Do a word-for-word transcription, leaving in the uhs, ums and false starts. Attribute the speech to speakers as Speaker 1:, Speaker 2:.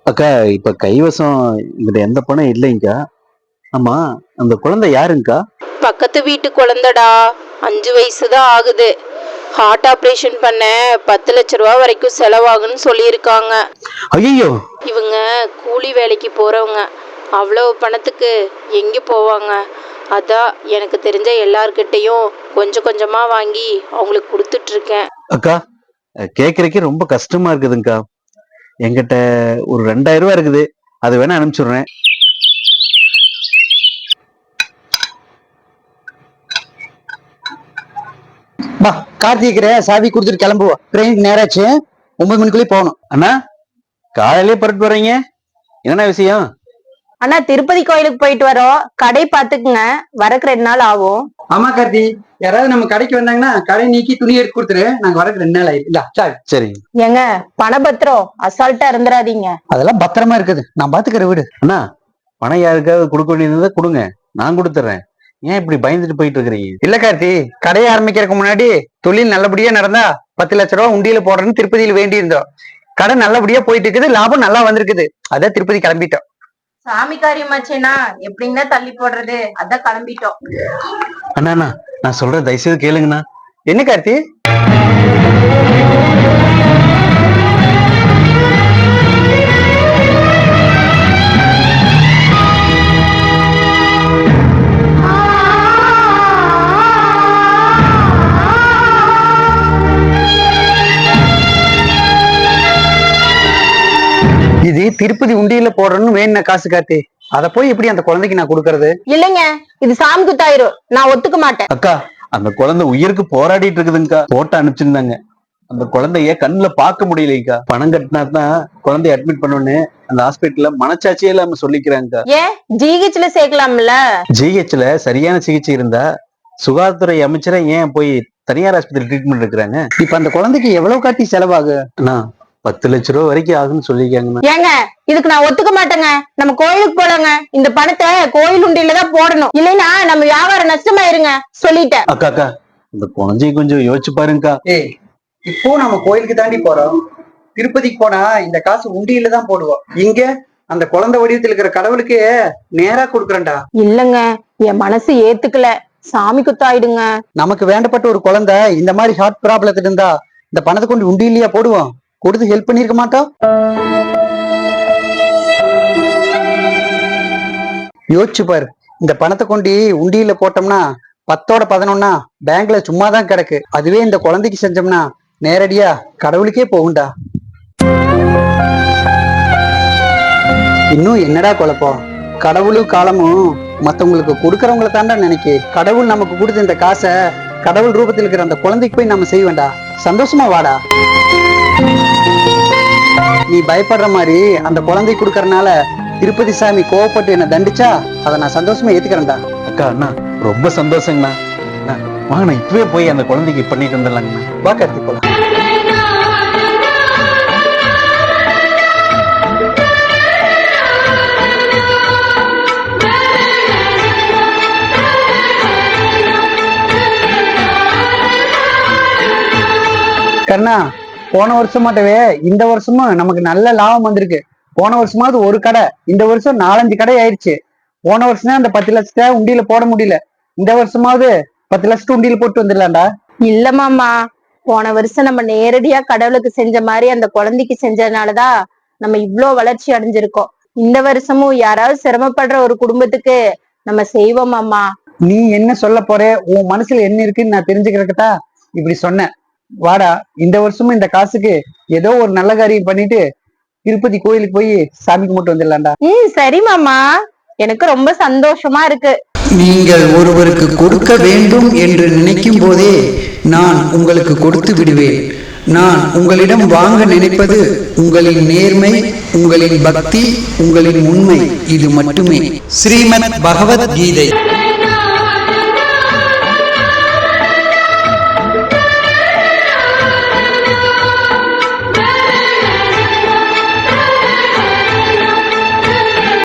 Speaker 1: அக்கா இப்ப கைவசம் இங்கிட்ட எந்த பணம் இல்லைங்கக்கா. ஆமா, அந்த குழந்தை யாருங்கக்கா?
Speaker 2: பக்கத்து வீட்டு குழந்தைடா. அஞ்சு வயசு தான் ஆகுது. ஹார்ட் ஆப்ரேஷன் பண்ண பத்து லட்ச ரூபா வரைக்கும் செலவாகுன்னு சொல்லியிருக்காங்க.
Speaker 1: ஐயோ,
Speaker 2: இவங்க கூலி வேலைக்கு போறவங்க. அவ்வளவு பணத்துக்கு எங்க போவாங்க? அதான் எனக்கு தெரிஞ்ச எல்லார்கிட்டையும் கொஞ்சம் கொஞ்சமா வாங்கி அவங்களுக்கு கொடுத்துட்டு இருக்கேன்.
Speaker 1: அக்கா கேக்குறக்கே ரொம்ப கஷ்டமா இருக்குதுங்கக்கா. என்கிட்ட ஒரு ரெண்டாயிரம் ரூபாய் இருக்குது, அது வேணா அனுப்பிச்சுடுறேன்.
Speaker 3: பா கார்த்திகிற சாவி கொடுத்துட்டு கிளம்புவோம். ட்ரெயின் நேராச்சு, ஒன்பது மணிக்குள்ளே போகணும்.
Speaker 1: அண்ணா காலையிலே புறட்டு போறீங்க, என்ன விஷயம்?
Speaker 2: அண்ணா திருப்பதி கோயிலுக்கு போயிட்டு வரோம். கடை பாத்துக்குங்க, வரக்கு ரெண்டு நாள் ஆகும்.
Speaker 3: ஆமா கார்த்தி, யாராவது நம்ம கடைக்கு வந்தாங்கன்னா கடை நீக்கி துணி எடுத்து கொடுத்துரு. நாங்க வரக்கு ரெண்டு நாள் ஆயிடுச்சு. சரி
Speaker 1: சரி.
Speaker 2: ஏங்க பணபத்திரம் அசால்ட்டா இருந்துடாதீங்க.
Speaker 3: அதெல்லாம் பத்திரமா இருக்குது, நான் பாத்துக்கிற வீடு.
Speaker 1: அண்ணா பணம் யாருக்காவது கொடுக்க வேண்டியதை கொடுங்க, நான் கொடுத்துட்றேன். ஏன் இப்படி பயந்துட்டு போயிட்டு இருக்கிறீங்க?
Speaker 3: இல்ல கார்த்தி, கடையை ஆரம்பிக்கிறதுக்கு முன்னாடி தொழில் நல்லபடியா நடந்தா பத்து லட்ச ரூபா உண்டியில போடுறேன்னு திருப்பதியில் வேண்டி இருந்தோம். கடை நல்லபடியா போயிட்டு இருக்குது, லாபம் நல்லா வந்திருக்குது. அதான் திருப்பதி கிளம்பிட்டோம்.
Speaker 2: சாமி காரியமாச்சேனா எப்படின்னா தள்ளி போடுறது, அதான் கிளம்பிட்டோம்.
Speaker 1: அண்ணா அண்ணா நான் சொல்ற தயவுசெய்து கேளுங்கண்ணா.
Speaker 3: என்ன கார்த்தி? இது திருப்பதி உண்டியில போடுறேன்னு வேணுன காசு கார்த்தி, அத போய் எப்படி அந்த குழந்தைக்கு நான் கொடுக்கறது?
Speaker 2: இல்லைங்க, இது சாமி குத்தாயிரும், நான் ஒத்துக்க மாட்டேன்.
Speaker 1: அக்கா அந்த குழந்தை உயிருக்கு போராடிட்டு இருக்குதுங்கக்கா. போட்டோ அனுப்பிச்சிருந்தாங்க. அந்த குழந்தைய கண்ணுல பார்க்க முடியலைங்கக்கா. பணம் கட்டினா தான் குழந்தைய அட்மிட் பண்ணோன்னு அந்த ஹாஸ்பிட்டல்ல மனச்சாட்சியே இல்லாம சொல்லிக்கிறாங்கக்கா.
Speaker 2: ஏன் ஜிஹெச்ல சேர்க்கலாம்ல?
Speaker 1: ஜிஹெச்ல சரியான சிகிச்சை இருந்தா சுகாதாரத்துறை அமைச்சரை ஏன் போய் தனியார் ஆஸ்பத்திரி ட்ரீட்மெண்ட் எடுக்கிறாங்க?
Speaker 3: இப்ப அந்த குழந்தைக்கு எவ்வளவு காட்டி செலவாகு?
Speaker 1: அண்ணா பத்து லட்ச ரூபா வரைக்கும் ஆகுன்னு சொல்லிருக்காங்கண்ணா.
Speaker 2: ஏங்க இதுக்கு நான் ஒத்துக்க மாட்டேங்க. நம்ம கோயிலுக்கு போலாங்க, இந்த பணத்தை கோயில் உண்டியில தான் போடணும், இல்லைன்னா நம்ம வியாபாரம் நஷ்டமாயிருங்க சொல்லிட்டேன்.
Speaker 1: அக்கா அக்கா இந்த குழந்தைய கொஞ்சம் யோசிச்சு பாருங்கக்கா.
Speaker 3: ஏய், இப்போ நம்ம கோயிலுக்கு தாண்டி போறோம். திருப்பதிக்கு போனா இந்த காசு உண்டியில தான் போடுவோம். இங்க அந்த குழந்தை வடிவத்தில் இருக்கிற கடவுளுக்கு நேரா கொடுக்குறேன்டா.
Speaker 2: இல்லங்க, என் மனசு ஏத்துக்கல. சாமி குத்தாயிடுங்க.
Speaker 3: நமக்கு வேண்டப்பட்ட ஒரு குழந்தை இந்த மாதிரி ஹார்ட் ப்ராப்ளத்துல இருந்தா இந்த பணத்தை கொண்டு உண்டியிலேயே போடுவோம். கொடுத்து ஹெல்ப் பண்ணிருக்க மாட்டோம்? யோசிச்சு பாரு, இந்த பணத்தை கொண்டு உண்டியில போட்டோம்னா பத்தோட பதினொன்னா பேங்க்ல சும்மா தான் கிடக்கு. அதுவே இந்த குழந்தைக்கு செஞ்சோம்னா நேரடியா கடவுளுக்கே போகும்டா. இன்னும் என்னடா குழப்பம்? கடவுளும் காலமும் மத்தவங்களுக்கு கொடுக்கறவங்களை தாண்டா நினைக்கு. கடவுள் நமக்கு கொடுத்த இந்த காசை கடவுள் ரூபத்தில் இருக்கிற அந்த குழந்தைக்கு போய் நம்ம செய்ய வேண்டாம். சந்தோஷமா வாடா. நீ பயப்படுற மாதிரி அந்த குழந்தை கொடுக்கறனால திருப்பதி சாமி கோவப்பட்டு என்ன தண்டிச்சா அதை நான் சந்தோஷமா ஏத்துக்கிறேன்டா.
Speaker 1: அக்கா அண்ணா ரொம்ப சந்தோஷங்கண்ணா. வாங்கண்ணா இப்பவே போய் அந்த குழந்தைக்கு பண்ணிட்டு வந்துடலாங்கண்ணா.
Speaker 3: வா கார்த்தி போலாம். கண்ணா, போன வருஷமாட்டவே இந்த வருஷமும் நமக்கு நல்ல லாபம் வந்திருக்கு. போன வருஷமாவது ஒரு கடை, இந்த வருஷம் நாலஞ்சு கடை ஆயிடுச்சு. போன வருஷம் தான் அந்த பத்து லட்சத்தை உண்டியில போட முடியல. இந்த வருஷமாவது பத்து லட்சத்தை உண்டியில போட்டு வந்துடலாம்டா.
Speaker 2: இல்ல மாமா, போன வருஷம் நம்ம நேரடியா கடவுளுக்கு செஞ்ச மாதிரி அந்த குழந்தைக்கு செஞ்சதுனாலதான் நம்ம இவ்ளோ வளர்ச்சி அடைஞ்சிருக்கோம். இந்த வருஷமும் யாராவது சிரமப்படுற ஒரு குடும்பத்துக்கு நம்ம செய்வோம் மாமா.
Speaker 3: நீ என்ன சொல்ல போற, உன் மனசுல என்ன இருக்குன்னு நான் தெரிஞ்சுக்கிறக்கட்டா இப்படி சொன்னேன். வாடா, இந்த வருஷமும் இந்த காசுக்கு ஏதோ ஒரு நல்ல காரியம் பண்ணிட்டு திருப்பதி கோயிலுக்கு போய் சாமி கும்பிட்டு வந்துடலாம்டா.
Speaker 2: ம் சரி மாமா, எனக்கு ரொம்ப சந்தோஷமா இருக்கு.
Speaker 4: நீங்கள் ஒருவருக்கு கொடுக்க வேண்டும் என்று நினைக்கும் போதே நான் உங்களுக்கு கொடுத்து விடுவேன். நான் உங்களிடம் வாங்க நினைப்பது உங்களின் நேர்மை, உங்களின் பக்தி, உங்களின் உண்மை, இது மட்டுமே. ஸ்ரீமத் பகவத் கீதை.